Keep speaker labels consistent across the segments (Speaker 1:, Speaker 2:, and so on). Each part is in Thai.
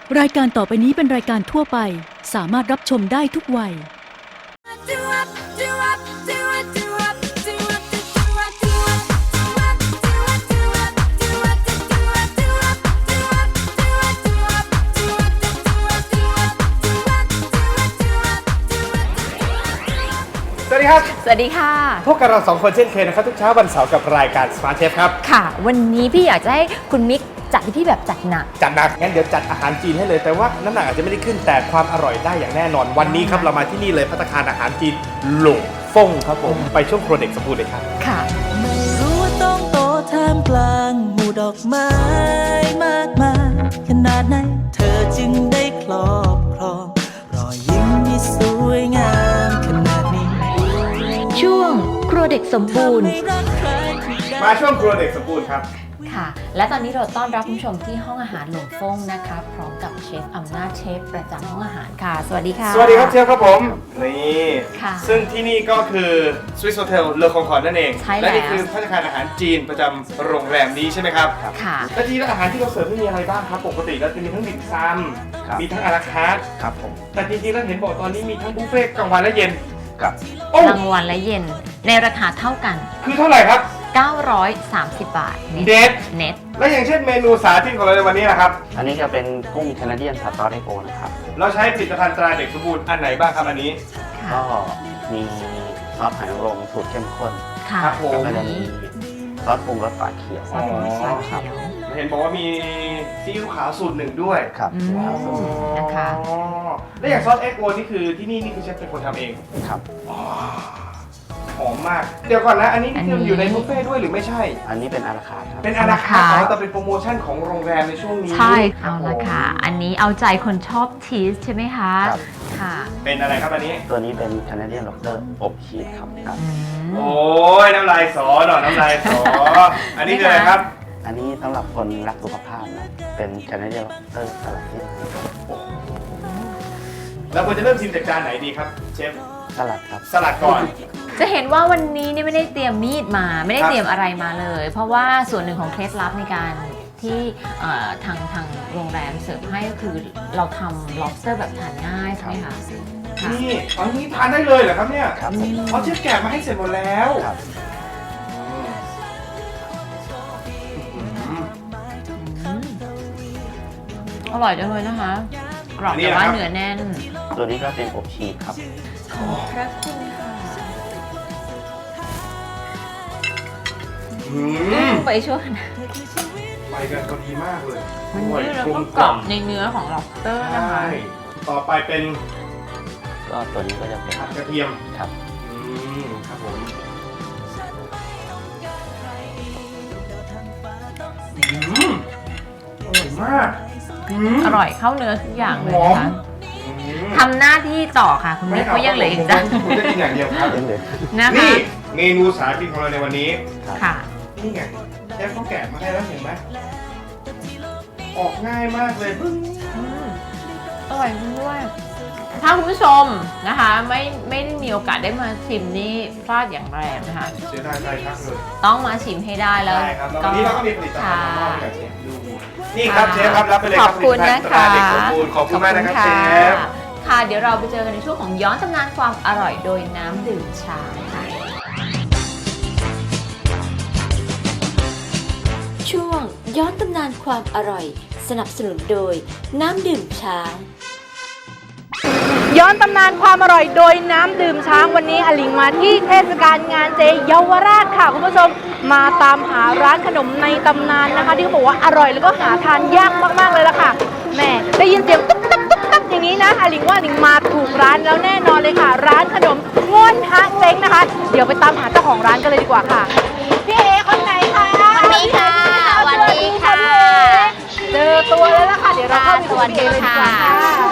Speaker 1: รายการต่อไปนี้เป็นรายการทั่วไปสามารถรับชมได้ทุกวัย
Speaker 2: สวัสดีครับ
Speaker 3: สวัสดีค่ะ
Speaker 2: พบกับเรา2คนเช่นเคยนะครับทุกเช้าวันเสาร์กับรายการ Smart Chef ครับ
Speaker 3: ค่ะ วันนี้พี่อยากจะให้คุณมิกจัดให้พี่แบบจัดหนัก
Speaker 2: จัดหนักงั้นเดี๋ยวจัดอาหารจีนให้เลยแต่ว่าน้ำหนักอาจจะไม่ได้ขึ้นแต่ความอร่อยได้อย่างแน่นอนวันนี้ครับเรามาที่นี่เลยภัตตาคารอาหารจีนหลงฟงครับผมไปช่วงครัวเด็กสมบูรณ์เลยครับ
Speaker 3: ค่ะ
Speaker 4: ไม่รู้ว่าต้องโตท่ามกลางหมู่ดอกไม้มากมายขนาดไหนเธอจึงได้ครอบครองรอยยิ้มที่สวยงามขนาดนี้
Speaker 3: ช่วงครัวเด็กสมบูรณ์
Speaker 4: ทำให้รักใครที่ได้
Speaker 2: มาช่วงครัวเด็กสมบูรณ์ครับ
Speaker 3: ค่ะ และตอนนี้เราต้อนรับคุณผู้ชมที่ห้องอาหารหลงฟงนะคะพร้อมกับเชฟอำนาจเชฟประจำห้องอาหารค่ะ สวัสดีค่ะ
Speaker 2: สวัสดีครับเชฟครับผมนี่
Speaker 3: ค่ะ
Speaker 2: ซึ่งที่นี่ก็คือ Swiss Hotel เลอคองคอร์ดนั่นเอง
Speaker 3: ใช่แล้ว
Speaker 2: และนี่คือภัตตาคารอาหารจีนประจำโรงแรมนี้ใช่ไหมครับ
Speaker 3: ค่ะ
Speaker 2: และที่อาหารที่เราเสิร์ฟนี่มีอะไรบ้างครับปกติเราจะมีทั้งดิ่มซำมีทั้งอาราคาร์ทครับผมแต่จริงๆแล้วเห็นบอกตอนนี้มีทั้งบุฟเฟ่ต์กลางวันและเย็นครับโอ้
Speaker 3: กลางวันและเย็นในราคาเท่ากัน
Speaker 2: คือเท่าไหร่ครับ
Speaker 3: 930 บาท
Speaker 2: เด็ด
Speaker 3: เน็ต
Speaker 2: และอย่างเช่นเมนูสาธิตของเราในวันนี้นะครับ
Speaker 5: อันนี้จะเป็นกุ้งแคนาเดียนผัดซอสไอโอนะครับ
Speaker 2: เราใช้ผลิตภัณฑ์ตราเด็กสมบูรณ์อันไหนบ้างครับอันนี้
Speaker 3: ค่ะ
Speaker 5: ก็มีซอสหอยนางรมสูตรเข้มข้น
Speaker 3: ค่ะ
Speaker 2: ครับผม
Speaker 5: แล้วก็จะมีซอสปรุงรสฝาเขียว
Speaker 3: ซอสปรุงรสฝาเขียว
Speaker 2: เห็นบอกว่ามีซีอิ๊วขาวสูตรหนึ่งด้วย
Speaker 5: ครับ
Speaker 3: อืมนะคะ
Speaker 2: อ๋อและอย่างซอสเอ็กโอนี่คือที่นี่คือเชฟเป็นคนทำเอง
Speaker 5: ครับ
Speaker 2: หอมมาก เดี๋ยวก่อนนะ อันนี้คืออยู่ในบุฟเฟ่ต์ด้วยหรือไม่ใช่
Speaker 5: อันนี้เป็นอาราคาร์ทครับ
Speaker 2: เป็นอาราคาร์ทอ๋อแต่เป็นโปรโมชั่นของโรงแรมในช่วงนี้
Speaker 3: ใช่
Speaker 2: ครั
Speaker 3: เอา
Speaker 2: บผม
Speaker 3: ละค่ะ อันนี้เอาใจคนชอบชีสใช่ไหมคะ
Speaker 5: ครับ
Speaker 3: ค่ะ
Speaker 2: เป็นอะไรครับอันนี้
Speaker 5: ตัวนี้เป็นแคนาเดียนล็อบสเตอร์อบชีสครับครับ
Speaker 3: อืม
Speaker 2: โอ้ยน้ำลายสอหน่อยน้ำลายสอ อันนี้คืออะไรครับ
Speaker 5: อันนี้สำหรับคนรักสุขภาพนะ เป็นแคนาเดียนล็อบสเตอร์สลัดที่
Speaker 2: แล้วควรจะเริ่มชิมจากจานไหนดีครับเชฟ
Speaker 5: สลัดครับ
Speaker 2: สลัดก่อน
Speaker 3: จะเห็นว่าวันนี้เนี่ยไม่ได้เตรียมมีดมา ไม่ได้
Speaker 2: ครับ
Speaker 3: เตรียมอะไรมาเลย เพราะว่าส่วนหนึ่งของเคล็ดลับในการที่ทางโรงแรมเสิร์ฟให้ก็คือเราทำ lobster แบบทานง่ายใช่ไหมคะค่ะ
Speaker 2: นี่อันนี้ทานได้เลยเหรอครับเนี่ย
Speaker 5: ครับผม
Speaker 2: เขาเชฟแกะมาให้เสร็จหมดแล้ว
Speaker 5: ครับ
Speaker 3: อืมอร่อยจังเลยนะคะกรอบแต่ว่าเนื้อแน่น
Speaker 5: ตัวนี้ก็เป็นอบชีสครับ
Speaker 3: ขอบพระคุณค่ะ
Speaker 2: อืม
Speaker 3: ไปช่วยนะ
Speaker 2: ไปกันพอดีมากเลย
Speaker 3: มัน
Speaker 2: อร่อย
Speaker 3: ยืดแล้ว
Speaker 2: กล
Speaker 3: ก็
Speaker 2: ม
Speaker 3: กรอบในเนื้อของ lobster
Speaker 2: ใช
Speaker 3: นะคะ
Speaker 2: ่ต่อไปเป็น
Speaker 5: ก็ตัวนี้ก็จะเป็น
Speaker 2: ผัดกระเทียม
Speaker 5: ครับ
Speaker 2: ครับผมอร่อยมาก
Speaker 3: อร่อยเข้าเนื้อทุกอย่างเลย
Speaker 2: หอม
Speaker 3: นะคะทำหน้าที่ต่อค่ะ คุณมิกเขายังเหลืออีกจ้ะ
Speaker 2: ผมจะกินอย่างเดียวครับ
Speaker 5: เล่นเลย
Speaker 3: นะคะ
Speaker 2: นี่เมนูสาธิตของเราในวันนี้
Speaker 3: ค่ะ
Speaker 2: นี่ไงแค่เขาแกะมาให้แล้วเห็นไหมออกง่ายมากเลยพึ่ง
Speaker 3: อืมอร่อยจริงด้วย ถ้าคุณผู้ชมนะคะไม่ได้มีโอกาสได้มาชิมนี่พลาดอย่างแรงนะคะ
Speaker 2: เสียดายใจทักเลย
Speaker 3: ต้องมาชิมให้ได้แล้ว
Speaker 2: ใช่ครับแล้ววันนี้เราก็มีผลิตภัณฑ์มามอบให้กับ
Speaker 3: ค่ะ
Speaker 2: เชฟดูนี่ครับเชฟครับรับไปเลยค
Speaker 3: ข
Speaker 2: รั
Speaker 3: อ
Speaker 2: บบ
Speaker 3: คุณ
Speaker 2: ผลิต
Speaker 3: นะ
Speaker 2: ภัณฑ์ตรา
Speaker 3: คะ
Speaker 2: เด็กสมบูรณ์ขอบคุณมากนะครับ
Speaker 3: ข
Speaker 2: เช
Speaker 3: อณ
Speaker 2: ฟ
Speaker 3: ค่ะ เดี๋ยวเราไปเจอกันในช่วงของย้อนตำนานความอร่อยโดยน้ำดื่มชาค่ะ
Speaker 6: ช่วงย้อนตำนานความอร่อย สนับสนุนโดยน้ำดื่มช้าง
Speaker 7: ย้อนตำนานความอร่อยโดยน้ำดื่มช้างวันนี้อลิงมาที่เทศกาลงานเจเยาวราชค่ะคุณผู้ชมมาตามหาร้านขนมในตำนานนะคะ ที่เขาบอกว่าอร่อยแล้วก็หาทานยากมากๆเลยล่ะค่ะแหม่ได้ยินเสียงตุ๊บตับตุ๊บตับอย่างนี้นะอลิงว่าอลิงมาถูกร้านแล้วแน่นอนเลยค่ะ ร้านขนมง่วนฮะเจ๊งนะคะ เดี๋ยวไปตามหาเจ้าของร้านกันเลยดีกว่าค่ะพี่เอคนไหนคะวันนี้ค่ะวันนี้ค่ะเจอตัวแล้วล่ะค่ะเดี๋ยวเราเข้าไปคุยกับพี่เอเลยดีกว่าค่ะ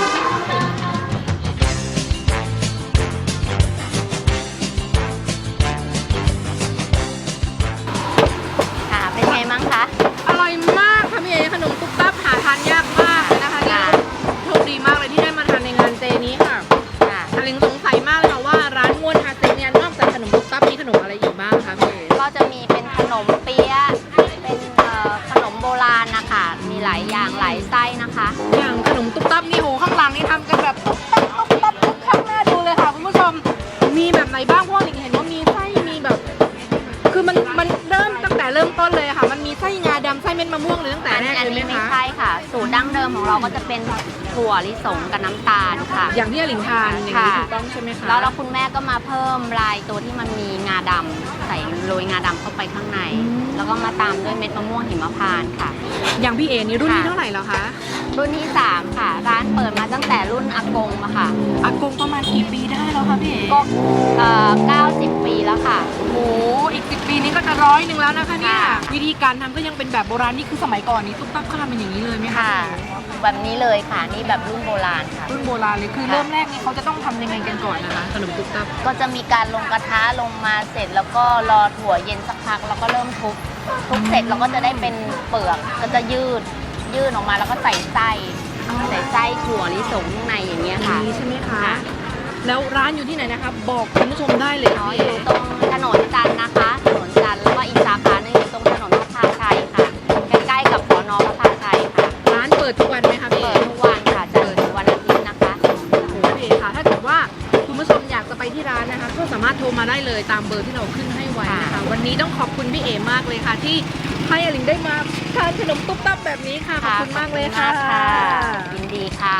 Speaker 3: ค่ะ เป็นไงมั้งคะ
Speaker 7: อร่อยมากค่ะพี่เอขนมตุ๊บตับหาทานยากมากเลยนะคะนี่โชคดีมากเลยที่ได้มาทานในงานเจนี้ค่ะ
Speaker 3: ค่ะ
Speaker 7: อลิงสงสัยมากเลยค่ะว่าร้านง่วนฮาเซ็งเนี่ยนอกจากขนมตุ๊บตับมีขนมอะไรอีกบ้างคะพี่เอ
Speaker 8: ก็จะมีเป็นขนมเปี๊ยะเป็นขนมโบราณนะคะมีห
Speaker 3: หลายอย่างหลายไส้นะคะ
Speaker 7: อย่างขนมตุ๊บตับนี่โหข้างหลังนี่ทำกันแบบตุ๊บตับตุ๊บตับทุกข้างหน้าดูเลยค่ะคุณผู้ชมมีแบบไหนบ้างเพราะว่าหลิงเห็นว่ามีไส้มีแบบ คือมันเริ่มตั้งแต่เริ่มต้นเลยค่ะมันมีไส้งาดำไส้เม็ดมะม่วงเลยตั้งแต่แรก
Speaker 3: อัน
Speaker 7: เลย
Speaker 3: นี้
Speaker 7: ไหม
Speaker 3: ไม่
Speaker 7: คะ
Speaker 3: ใช่ค่ะ สูตรดั้งเดิมของเราก็จะเป็นถั่วลิสงกับน้ำตาลค่ะ
Speaker 7: อย่างที่หลิงทานอย่างนี้ถูกต้องใช่ไหมคะ
Speaker 3: แล้วคุณแม่ก็มาเพิ่มลายตัวที่มันมีงาดำใส่โรยงาดำเข้าไปข้างใน แล้วก็มาตามด้วยเม็ดมะม่วงหิมพานต์ค่ะ
Speaker 7: อย่างพี่เอนี่รุ่นที่เท่าไหร่แล้วคะ
Speaker 3: รุ่นที่ 3 ค่ะ ร้านเปิดมาตั้งแต่รุ่นอากงอะค่ะ
Speaker 7: อากงประมาณกี่ปีได้แล้วคะพี่เอ
Speaker 3: ก็90 ปีแล้วค่ะ
Speaker 7: โอ้โหอีก10 ปีนี้ก็จะ100แล้วนะคะเนี่ย
Speaker 3: ค่ะ
Speaker 7: วิธีการทำก็ยังเป็นแบบโบราณนี่คือสมัยก่อนนี้ตุ๊บตับเขาทำเป็นอย่างนี้เลยไหมคะ
Speaker 3: ค่ะ แบบนี้เลยค่ะ นี่แบบรุ่นโบราณค่ะ
Speaker 7: รุ่นโบราณเลยคือเริ่มแรกนี่เขาจะต้องทำยังไงกันก่อนนะคะขนมตุ๊บตับ
Speaker 3: ก็จะมีการลงกระทะลงมาเสร็จแล้วก็รอถั่วเย็นสักพักแล้วก็เริ่มทุบเสร็จเราก็จะได้เป็นเปลือกก็จะยืดออกมาแล้วก็ใส่ไส้ถั่วลิสงข้างในอย่างเงี้ยค่ะ
Speaker 7: นี้ใช่ไหมคะ แล้วร้านอยู่ที่ไหนนะคะบอกคุณผู้ชมได้เลย
Speaker 3: อ๋ออยู่ตรงถนนจันทร์นะคะถนนจันทร์แล้วก็อีกสาขาหนึงอยู่ตรงถนนพระพาชัยค่ะใกล้ๆกับสน.พระพาชัยค่ะ
Speaker 7: ร้านเปิดทุกวันไหมคะพี่
Speaker 3: เปิดทุกวันค่ะจันทร์ถึงวันอาทิตย์นะคะ
Speaker 7: พี่เอค่ะถ้าเกิดว่าคุณผู้ชมอยากจะไปที่ร้านนะคะก็สามารถโทรมาได้เลยตามเบอร์ที่เราขึ้นให้ไว้นะคะวันนี้ต้องขอบคุณพี่เอมากเลยค่ะ ที่ให้อลิงได้มาทานขนมตุ๊บตับแบบนี้ค่ะขอบคุณมากเลยค่ะ
Speaker 3: ยินดีค่ะ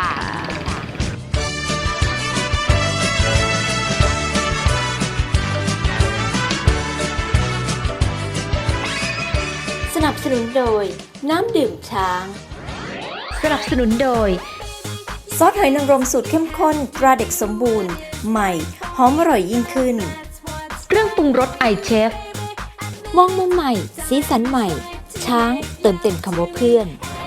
Speaker 6: สนับสนุนโดยน้ำดื่มช้าง
Speaker 1: สนับสนุนโดย
Speaker 6: ซอสหอยนางรมสูตรเข้มข้นตราเด็กสมบูรณ์ ใหม่ หอมอร่อยยิ่งขึ้น
Speaker 1: เครื่องปรุงรสไอเชฟ
Speaker 6: มองมุมใหม่ สีสันใหม่ ช้างเติมเต็มคำว่าเพื่อน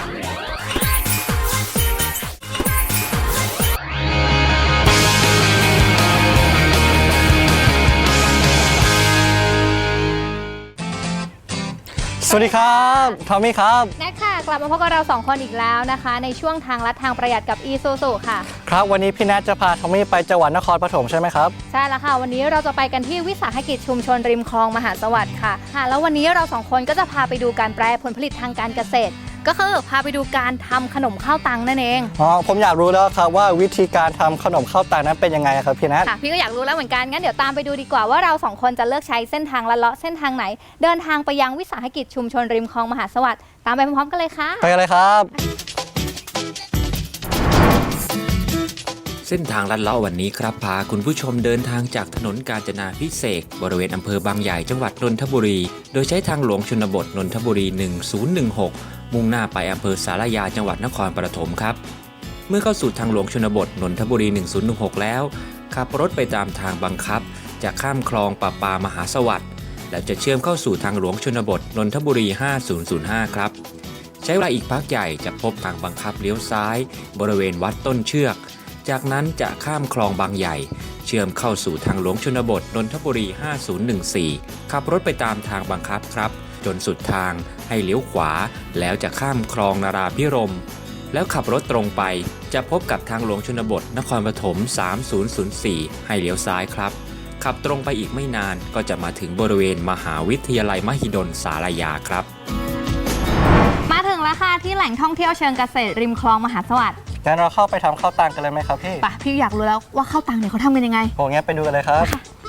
Speaker 8: สวัสดีครับทอมมี่ครับ
Speaker 7: แน็กค่ะกลับมาพบกับเรา2คนอีกแล้วนะคะ ในช่วงทางลัดทางประหยัดกับ Isuzu ค่ะ
Speaker 8: ครับวันนี้พี่แนทจะพาทอมมี่ไปจังหวัดนครปฐมใช่ไหมครับ
Speaker 7: ใช่แล้วค่ะ วันนี้เราจะไปกันที่วิสาหกิจชุมชนริมคลองมหาสวัสดิ์ค่ะแล้ววันนี้เรา2คนก็จะพาไปดูการแปรผลผลิตทางการเกษตร ก็คือพาไปดูการทำขนมข้าวตังนั่นเอง
Speaker 8: อ๋อผมอยากรู้แล้วครับว่าวิธีการทำขนมข้าวตังนั้นเป็นยังไงครับพี่แนท
Speaker 7: ค่ะพี่ก็อยากรู้แล้วเหมือนกันงั้นเดี๋ยวตามไปดูดีกว่าว่าเรา2คนจะเลือกใช้เส้นทางลัดเลาะเส้นทางไหน เดินทางไปยังวิสาหกิจชุมชนริมคลองมหาสวัสดิ์ตามไปพร้อมๆกันเลยค่ะ
Speaker 8: ไปกันเลยครับ
Speaker 9: เส้นทางลัดเลาะวันนี้ครับพาคุณผู้ชมเดินทางจากถนนกาญจนาภิเษกบริเวณอำเภอบางใหญ่จังหวัดนนทบุรีโดยใช้ทางหลวงชนบทนนทบุรี 1016 มุ่งหน้าไปอำเภอสารยาจังหวัดนครปฐมครับเมื่อเข้าสู่ทางหลวงชนบทนนทบุรี 1016 แล้วขับรถไปตามทางบังคับจะข้ามคลองประปามหาสวัสดิ์และจะเชื่อมเข้าสู่ทางหลวงชนบทนนทบุรี 5005 ครับใช้เวลาอีกพักใหญ่จะพบทางบังคับเลี้ยวซ้ายบริเวณวัดต้นเชือกจากนั้นจะข้ามคลองบางใหญ่เชื่อมเข้าสู่ทางหลวงชนบทนนทบุรี 5014 ขับรถไปตามทางบังคับครับจนสุดทางให้เลี้ยวขวาแล้วจะข้ามคลองนาราพิรมย์แล้วขับรถตรงไปจะพบกับทางหลวงชนบทนครปฐม 3004 ให้เลี้ยวซ้ายครับขับตรงไปอีกไม่นานก็จะมาถึงบริเวณมหาวิทยาลัยมหิดลสารยาครับ
Speaker 7: มาถึงแล้วค่ะที่แหล่งท่องเที่ยวเชิงเกษตรริมคลองมหาสวัสดิ์
Speaker 8: งั้นเราเข้าไปทำข้าวตังกันเลยไหมครับพี่
Speaker 7: ป่ะพี่อยากรู้แล้วว่าข้าวตังเนี่ยเขาทำกันยังไง
Speaker 8: โหงั้นไปดูกันเลยครับ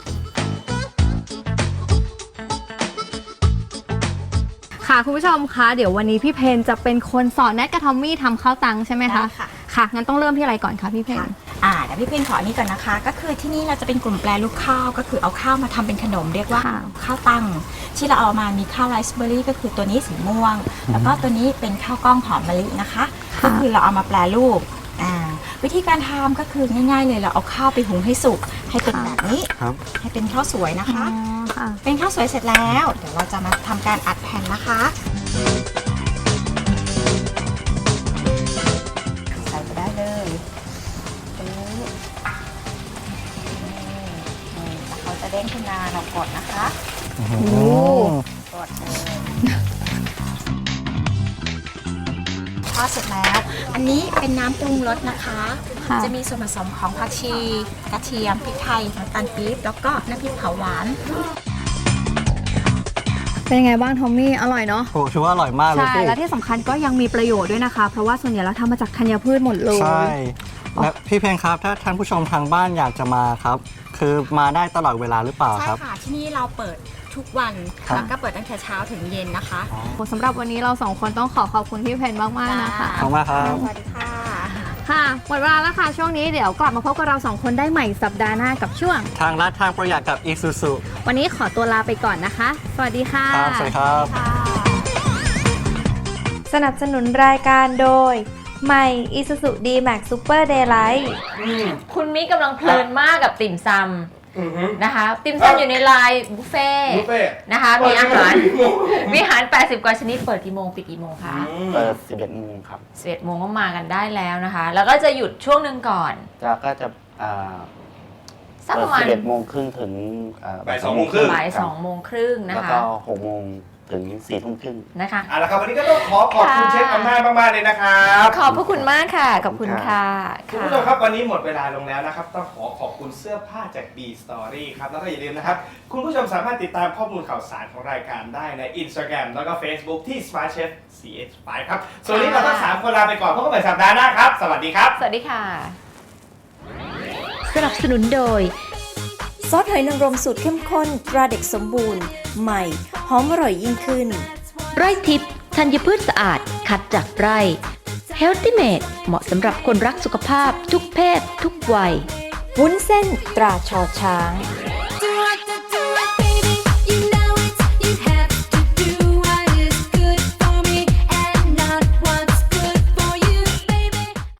Speaker 7: ค่ะคุณผู้ชมคะเดี๋ยววันนี้พี่เพนจะเป็นคนสอนแนทกับทอมมี่ทำข้าวตังใช่ไหมคะ
Speaker 10: ค่ะ
Speaker 7: ค่ะงั้นต้องเริ่มที่อะไรก่อนคะพี่เพน
Speaker 10: เดี๋ยวพี่เพนขออันนี้ก่อนนะคะ ก็คือที่นี่เราจะเป็นกลุ่มแปรรูปข้าวก็คือเอาข้าวมาทำเป็นขนมเรียกว่าข้าวตังที่เราเอามามีข้าวไรซ์เบอร์รี่ก็คือตัวนี้สีม่วง แล้วก็ตัวนี้เป็นข้าวกล้องหอมมะลินะคะก็คือเราเอามาแปรรูปวิธีการทำก็คือง่ายๆเลยเราเอาข้าวไปหุงให้สุกให้เป็นแบบนี้ให้เป็นข้าวสวยนะคะ เป็นข้าวสวยเสร็จแล้วเดี๋ยวเราจะมาทำการอัดแผ่นนะคะใส่ไปได้เลยเขาจะเด้งขึ้นมาเรากดนะคะกดเลยทอดเสร็จแล้วอันนี้เป็นน้ำปรุงรสนะคะ จะมีส่วนผสมของผักชีกระเทียมพริกไทยน้ำตาลปี๊บแล้วก็น้ำพริกเผาหวาน
Speaker 7: เป็นยังไงบ้างทอมมี่อร่อยเนาะ
Speaker 8: โอ้ถือว่าอร่อยมากเลย
Speaker 7: ใช่
Speaker 8: พี่
Speaker 7: และที่สำคัญก็ยังมีประโยชน์ด้วยนะคะ เพราะว่าส่วนใหญ่เราทำมาจากธัญพืชหมดเลย
Speaker 8: ใช่และพี่เพลงครับถ้าท่านผู้ชมทางบ้านอยากจะมาครับ คือมาได้ตลอดเวลาหรือเปล่า
Speaker 10: ใช่
Speaker 8: ครับ
Speaker 10: ค่ะที่นี่เราเปิดทุกวัน
Speaker 8: ครับ
Speaker 10: แล้วก็เปิดตั้งแต่เช้าถึงเย็นนะคะ
Speaker 7: สำหรับวันนี้เราสองคนต้องขอบคุณพี่เพนมากๆนะคะ
Speaker 8: ขอบคุณมากครับ
Speaker 10: สวัสดีค่ะ
Speaker 7: ค่ะหมดเวลาแล้วค่ะช่วงนี้เดี๋ยวกลับมาพบกับเราสองคนได้ใหม่สัปดาห์หน้ากับช่วง
Speaker 8: ทางรัฐทางประหยัดกับอีซูซู
Speaker 7: วันนี้ขอตัวลาไปก่อนนะคะ สวัสดีค่ะ
Speaker 8: ครับสวัสดีครับ
Speaker 11: สนับสนุนรายการโดยใหม่ Isuzu D-Max Super Daylight
Speaker 12: คุณมิกำลังเพลินมากกับติ่มซำนะคะ ติ่มซำอยู่ในไลน์บุฟเฟ่นะคะ มีอาหารมีอาหาร 80 กว่าชนิดเปิดกี่โมงปิดกี่โมงคะ
Speaker 5: เปิด 11 โมงครับ
Speaker 12: 11 โมงก็มากันได้แล้วนะคะ แล้วก็จะหยุดช่วงหนึ่งก่อน
Speaker 5: ก็จะ
Speaker 12: สัก
Speaker 5: เปิ
Speaker 12: ป
Speaker 5: ด
Speaker 12: ระมาณ
Speaker 5: 11 โมงครึ่งถึง
Speaker 2: บ่าย 2 โมงครึ่ง
Speaker 12: บ่าย 2 โมงครึ่งนะ
Speaker 5: แล้ว
Speaker 12: คะ
Speaker 5: ก็ 6 โมงถึง 4 ทุ่มครึ่ง
Speaker 12: นะคะ
Speaker 2: เอาละครับวันนี้ก็ต้องขอบคุณเชฟอำนาจมากๆเลยนะครับ
Speaker 12: ขอบพระคุณมากค่ะ ขอบคุณค่ะ
Speaker 2: คุณผู้ชมครับวันนี้หมดเวลาลงแล้วนะครับต้องขอบคุณเสื้อผ้าจาก B Story ครับแล้วก็อย่าลืมนะครับคุณผู้ชมสามารถติดตามข้อมูลข่าวสารของรายการได้ใน Instagram แล้วก็ Facebook ที่ Smart Chef CH5 ครับส่วนวันนี้เราทั้ง3คนลาไปก่อนพบกันใหม่สัปดาห์หน้าครับสวัสดีครับ
Speaker 12: สวัสดีค่ะ
Speaker 6: สนับสนุนโดย ซอสหอยนางรมสูตรเข้มข้นตราเด็กสมบูรณ์ ใหม่ หอมอร่อยยิ่งขึ้น ไร่ทิพย์ธัญพืชสะอาด คัดจากไร่ Healthy Made เหมาะสำหรับคนรักสุขภาพทุกเพศทุกวัย วุ้นเส้นตราชอช้าง